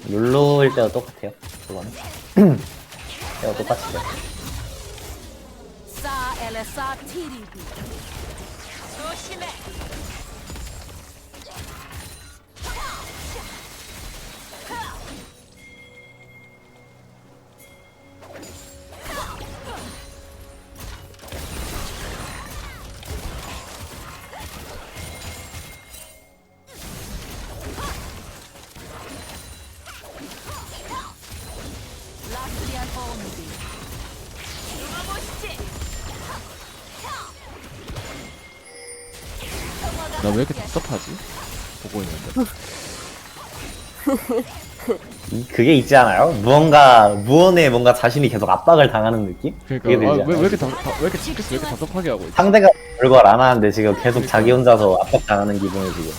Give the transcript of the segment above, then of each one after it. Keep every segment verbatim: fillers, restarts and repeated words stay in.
룰루일 때도 똑같아요. 그거는. 때가 똑같이 돼. 사 엘사 티리비 조심해. 라스리안 오무비 누가보시지. 나 왜 이렇게 답답하지? 보고 있는데. 이, 그게 있지 않아요? 무언가, 무언에 뭔가 자신이 계속 압박을 당하는 느낌? 그러니까 그게 들지 아, 왜, 않아요? 왜 이렇게 답, 답- 왜 이렇게 스트레스 왜 이렇게 답답하게 하고 있지? 상대가 별걸 안 하는데 지금 계속 그러니까. 자기 혼자서 압박당하는 기분이 지금.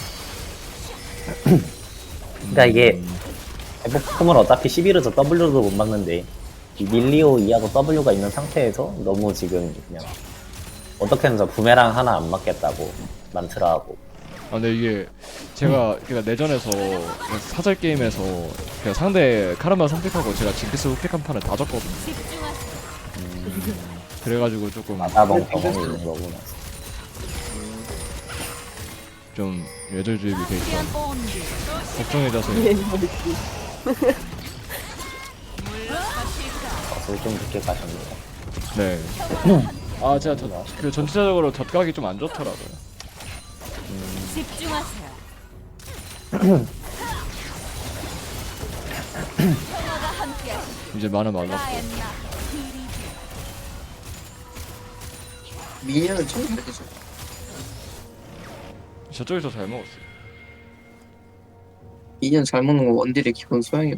그러니까 이게 대폭품은 어차피 십일에서 W도 못 막는데 이 밀리오 이하고 W가 있는 상태에서 너무 지금 그냥 어떻게든 저 부메랑 하나 안 맞겠다고 만트라하고. 아 근데 이게 제가 그러니까 내전에서 사절 게임에서 그냥 상대 카르마 선택하고 제가 징크스 흑백한 판을 다 졌거든요. 집중하세요. 그래가지고 조금 마다봉 경험이 있는 거구나. 좀 예절주입이 돼 있어 라스리안 오무비 걱정해져서 젖을 좀 늦게 가셨네요. 네. 아 제가 저, 그 전체적으로 젖각이 좀 안 좋더라고요. 집중하세요. 평화가 함께하시길. 이제 많은 많았고 라엔나 티리비 미니언을 처음 가르쳐줘. 저쪽에서 잘 먹었어요. 미니언 잘 먹는 거 원딜의 기본 소양이야.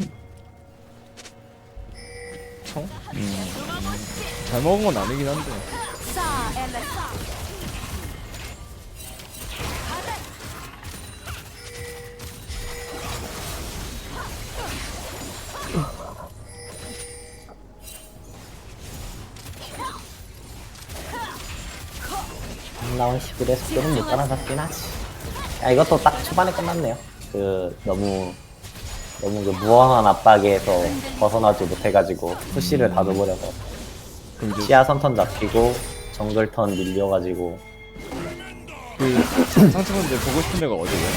청? 음, 잘 먹은 건 아니긴 한데 사 엘사 나온 십일에 속도는 못 따라잡긴 하지. 야, 이것도 딱 초반에 끝났네요. 그 너무 너무 그 무한한 압박에서 벗어나지 못해가지고 푸시를 다 줘버려서 그럼 이제 시야 선턴 잡히고 정글 턴 밀려가지고. 그 상층분들 보고 싶은 데가 어디예요?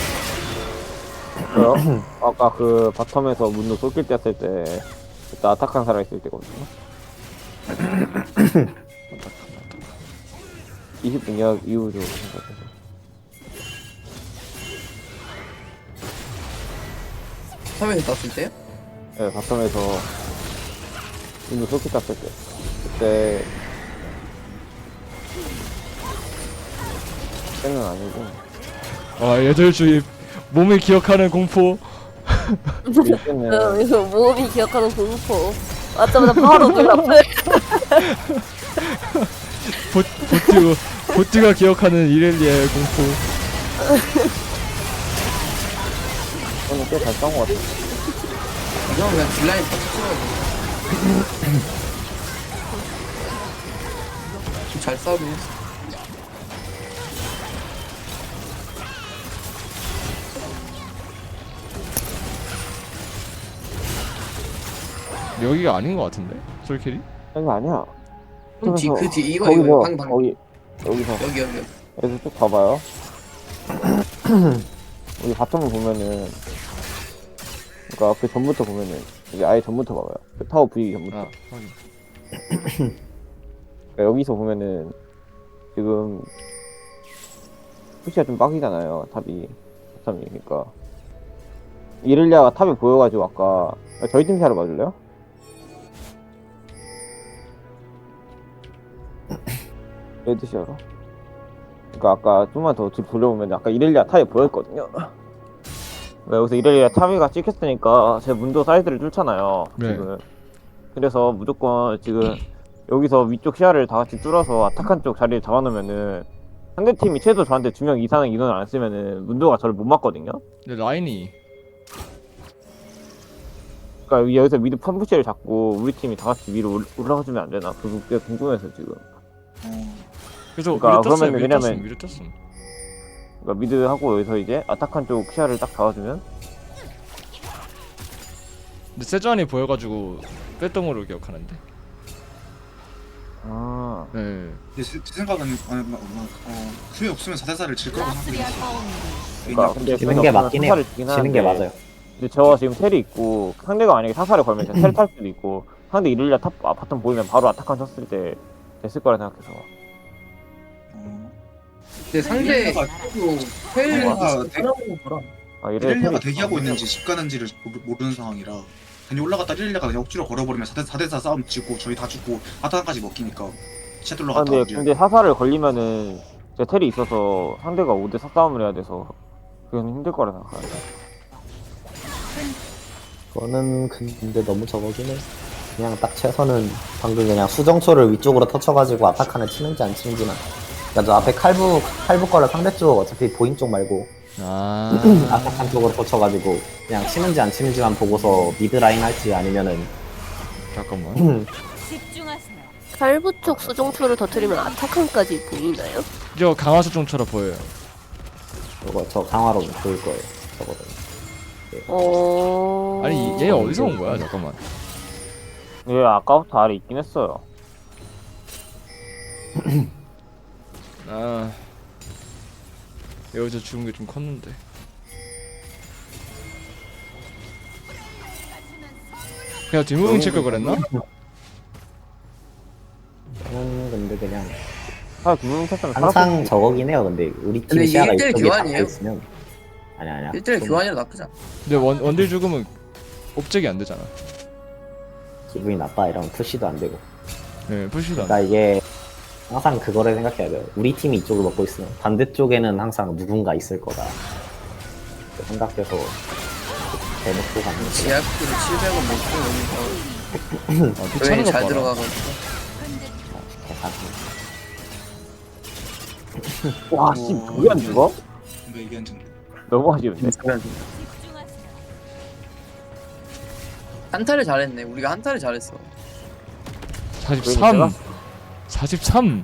저요? 아까 그 바텀에서 문도 쏠길 때 했을 때 그때 아타칸 살아있을 때거든요. 이십 분 이하 이후로 생각해서. 화면에 땄을 때요? 네, 바텀에서 문도 쏠길 땄을 때 그때 그때는 아니고 아 예절주입 몸을 기억하는 공포 그때는 어, 이거 모험이 기억하는 공포. 맞자마자 바로 눈 앞에. 보, 보트 보트가 기억하는 이렐리아의 공포. 저는 꽤잘 싸운 것 같아요. 이건 그냥 딜라인 다 찍어야 돼. 잘 싸우긴 했어. 여기가 아닌 것 같은데 솔킬이? 이거 아니야. 그럼 뒤, 그 뒤, 이거, 거기서, 이거, 방, 방. 거기 여기서 여기, 여기. 여기서 쭉 봐봐요. 여기 바텀을 보면은, 그러니까 그 전부터 보면은 이제 아예 전부터 봐봐요. 그 타워 부위기 전부터. 아 확인. 그러니까 여기서 보면은 지금 푸시가 좀 빡이잖아요. 탑이 바텀이. 그러니까 이를리아가 탑에 보여가지고 아까 저희 팀 샤로 봐줄래요? 레드샤로. 그러니까 아까 좀만 더 뒤로 돌려보면 아까 이렐리아 탑에 보였거든요. 네, 여기서 이렐리아 탑이가 찍혔으니까 제 문도 사이드를 뚫잖아요. 네. 지금. 그래서 무조건 지금 여기서 위쪽 시야를 다 같이 뚫어서 아타칸 쪽 자리를 잡아놓으면은 상대팀이 최소 저한테 두 명 이상의 인원을 안 쓰면은 문도가 저를 못 맞거든요. 근데 라인이 그러니까 여기서 미드 펌프시를 잡고 우리 팀이 다 같이 위로 올- 올라가주면 안 되나? 그게 궁금해서 지금. 그래서 그러니까 위로 떴어요. 그러면은 위로 왜냐면- 떴음 위로 떴음. 그러니까 미드 하고 여기서 이제 아타칸 쪽 시야를 딱 잡아주면 근데 세주안이 보여가지고 뺐던 걸로 기억하는데. 아 네. 근데 제, 제 생각은 어, 어, 어, 수비 없으면 사 대 사를 질 거라고 라스리아 생각했어요. 파운드. 그러니까 근데 지는 게 맞긴 해요. 지는 게 맞아요. 근데 저 지금 텔이 있고 상대가 만약에 사사를 걸면 제가 텔 탈 수도 있고 상대 이를리아 탑 아, 바텀 보이면 바로 아타칸 쳤을 때 됐을 거라 생각해서 어, 근데 상대 이렐리아가- 텔 이렐리아가 대- 살아보는 거라. 아 이래 이렐리아가 대기하고 있는지 집 가는지를 모르- 모르는 상황이라 괜히 올라갔다 이렐리아가 그냥 억지로 걸어버리면 사 대 사 싸움 지고 저희 다 죽고 바탕까지 먹히니까 샷 아 올라갔다 근데 근데 사사를 걸리면은 제 텔이 있어서 상대가 오 대 사 싸움을 해야 돼서 그건 힘들 거라 생각하는데 그거는 근데 너무 저거긴 해. 그냥 딱 최선은 방금 그냥 수정초를 위쪽으로 터쳐가지고 아타칸을 치는지 안 치는지만. 그러니까 저 앞에 칼부 칼부 거를 상대 쪽 어차피 보인 쪽 말고 아. 아타칸 쪽으로 터쳐가지고 그냥 치는지 안 치는지만 보고서 미드 라인 할지 아니면은 잠깐만. 집중하세요. 칼부 쪽 수정초를 터뜨리면 아타칸까지 보이나요? 저 강화 수중처럼 보여요. 저거 저 강화로 보일 거예요. 저거는. 어... 아니 얘 어디서 온 거야? 잠깐만. 얘 아까부터 아래 있긴 했어요 아 여기서 죽은 게 좀 컸는데. 그냥 뒷무빙 칠걸 그랬나? 저는 근데 그냥 사 두명 쳤으면 항상 저거긴 해요. 근데 우리 팀 근데 이게 시야가 일대일 이쪽에 교환이에요? 닿고 있으면 아니 아니야. 일 대 일 좀 교환이라 나쁘지 않아. 근데 원 원딜 죽으면 옵적이 안 되잖아. 기분이 나빠 이러면 푸시도 안 되고. 네, 푸시도 안. 그러니까 이게 항상 그거를 생각해야 돼요. 우리 팀이 이쪽을 먹고 있으면 반대쪽에는 항상 누군가 있을 거다. 그 생각해서 대놓고 가는 거죠. 제약비를 칠백 원 먹고 여기서 아, 귀찮은 여행이 거 잘 봐라. 들어가가지고. 계산. 와씨 그게 안 죽어? 뭔가 이게 안 좋네. 너무 아쉬운데 집중하세요. 한타를 잘했네. 우리가 한타를 잘했어. 사십삼. 사십삼.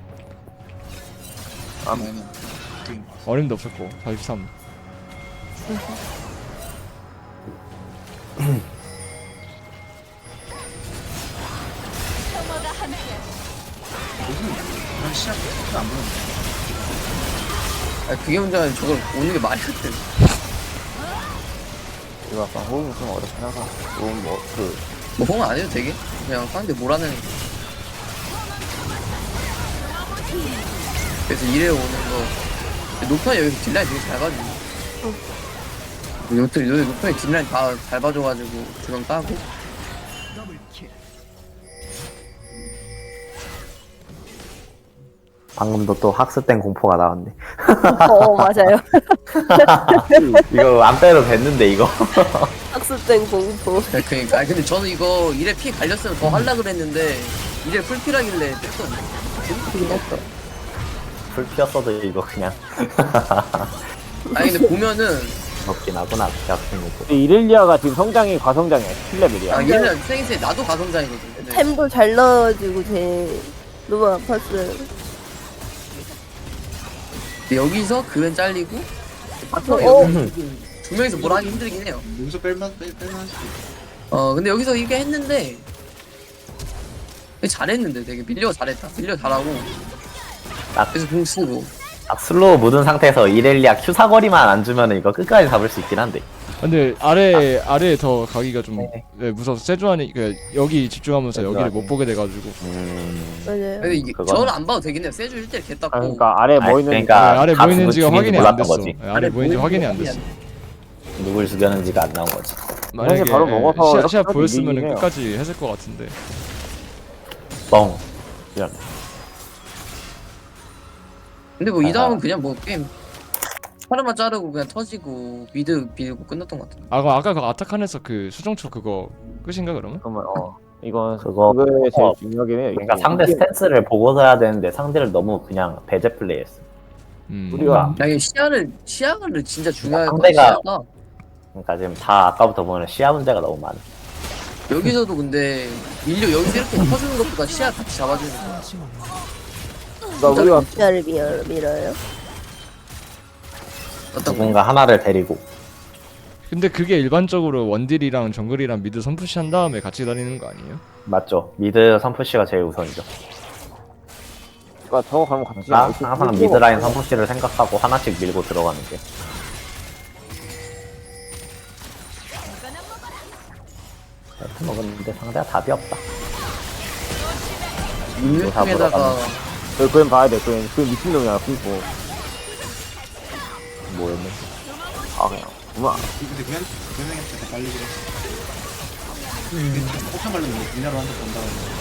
그러면은 게임 어림도 없었고 사십삼. 혐오가 함께. 요즘 그런 시합 안 보는데. 아 그게 문제가 아니라 저걸 오는 게 말이 안 돼. 이거 약간 호흡이 좀 어렵긴 하다 너무 뭐그 뭐 홍 안 해도 되게? 그냥 상대 몰아내는 거. 그래서 이래 오는 거. 녹턴이 여기서 딜라인 되게 잘 봐주네. 녹턴, 여기 녹턴이 딜라인 다 잘 봐줘가지고 두명 따고. 방금도 또 학습된 공포가 나왔네. 어 맞아요. 이거 안 빼도 됐는데 이거. 학습된 공포. 네, 그니까. 아니, 근데 저는 이거 이래 피 갈렸으면 더 하려 그랬는데, 이래 풀피라길래 뺐었네. 재밌긴 했어. 불 피었어도 이거 그냥 아니, 근데 보면은, 먹긴 하구나. 약간 거. 근데 이렐리아가 지금 성장이 과성장이야 칠 레벨이야 아, 얘는 생생 나도 가성장이거든. 근데 템도 잘 넣어가지고 제 너무 아팠어요. 근데 여기서 그웬 잘리고, 바텀 어? 여기 두 명이서 뭘 하기 힘들긴 해요. 여기서 뺄만 뺄 뺄만 수도 있고. 어, 근데 여기서 이게 했는데, 되게 잘했는데, 되게 밀려 잘했다. 밀려 잘하고. 딱. 그래서 공 쓰고. 딱 슬로우 묻은 상태에서 이렐리아 Q 사거리만 안 주면 이거 끝까지 잡을 수 있긴 한데. 근데 아래 아래에 더 가기가 좀 네. 네, 무서워서 세주안이 그 여기 집중하면서 여기를 세주안이. 못 보게 돼가지고. 음. 맞아요. 근데 이게, 그건- 저는 안 봐도 되긴 해요. 세주 일 대 일 개땄고. 아 그러니까 아래 아니, 뭐 있는지 그러니까 네, 아래 다 뭐 있는지가 누굴 확인이 안 몰랐던 됐어. 거지. 네, 아래 뭐 있는지 확인이 안 됐어. 누굴 죽였는지가 안 나온 거지. 만약에 바로 먹어서 시야, 이렇게 시야 해도 보였으면 이기긴 해요. 끝까지 했을 것 같은데. 뻥. 이런. 근데 뭐 이 아. 다음은 그냥 뭐 게임 사람만 자르고 그냥 터지고 미드 빌고 끝났던 것 같은데. 아 그럼 아까 그 아타칸에서 그 수정초 그거 끝인가 그러면? 그러면 어 이건 그거- 그게 제일 어. 중요하긴 해요 그러니까 이게. 상대 스탠스를 보고서 해야 되는데 상대를 너무 그냥 배제 플레이했어. 음. 우리가 야, 이게 시야를 시야를 진짜 중요할 거 상대가- 시야가 그러니까 지금 다 아까부터 보면 시야 문제가 너무 많아. 여기서도 근데 밀려 여기서 이렇게 터주는 것보다 시야 같이 잡아주는 거야. 그러니까 우리가 시야를 밀어, 밀어요. 어떤 거? 누군가 하나를 데리고. 근데 그게 일반적으로 원딜이랑 정글이랑 미드 선푸시 한 다음에 같이 다니는 거 아니에요? 맞죠. 미드 선푸시가 제일 우선이죠. 그러니까 저거 가면 같이 나 안 있을 항상 필요가 미드라인 없어요. 선푸시를 생각하고 하나씩 밀고 들어가는 게. 이렇게 먹었는데 상대가 답이 없다. 육육통에다가 그 그엔 봐야 돼. 그엔 그 미친놈이야. 그거. 뭐였는지. 아 그냥. 그만. 근데 그냥 그냥한테 더 빨리 그래. 폭탄 걸리면 분야로 한번 본다.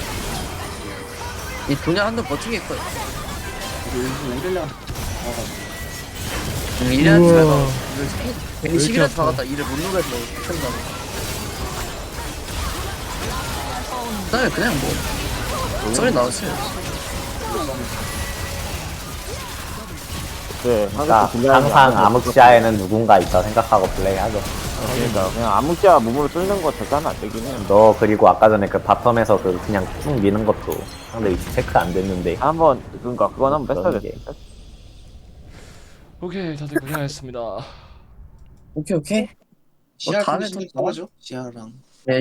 이 분야 한번 버티게 했거든. 일부 이렐리아한테 가가지고. 응, 이래한테 우와. 내가 괜히 왜 십일 이렇게 회차 아파? 박았다. 이를 못 누가서 못한다고. 그다음에 그냥 뭐 소리 나왔어요. 네. 그러니까 항상 암흑시야에는 누군가 있다 생각하고 플레이하죠. 그러니까 그냥 암흑자 몸으로 뚫는 거 절대 하면 안 되긴 해. 너 그리고 아까 전에 그 바텀에서 그 그냥 쭉 미는 것도 상대 위치 체크 안 됐는데 한번 그러니까 그건 한번 뺐어야 그런 돼. 게. 오케이 다들 고생하셨습니다. 오케이 오케이. 시야 다음에 신경 또 써가죠. 시야랑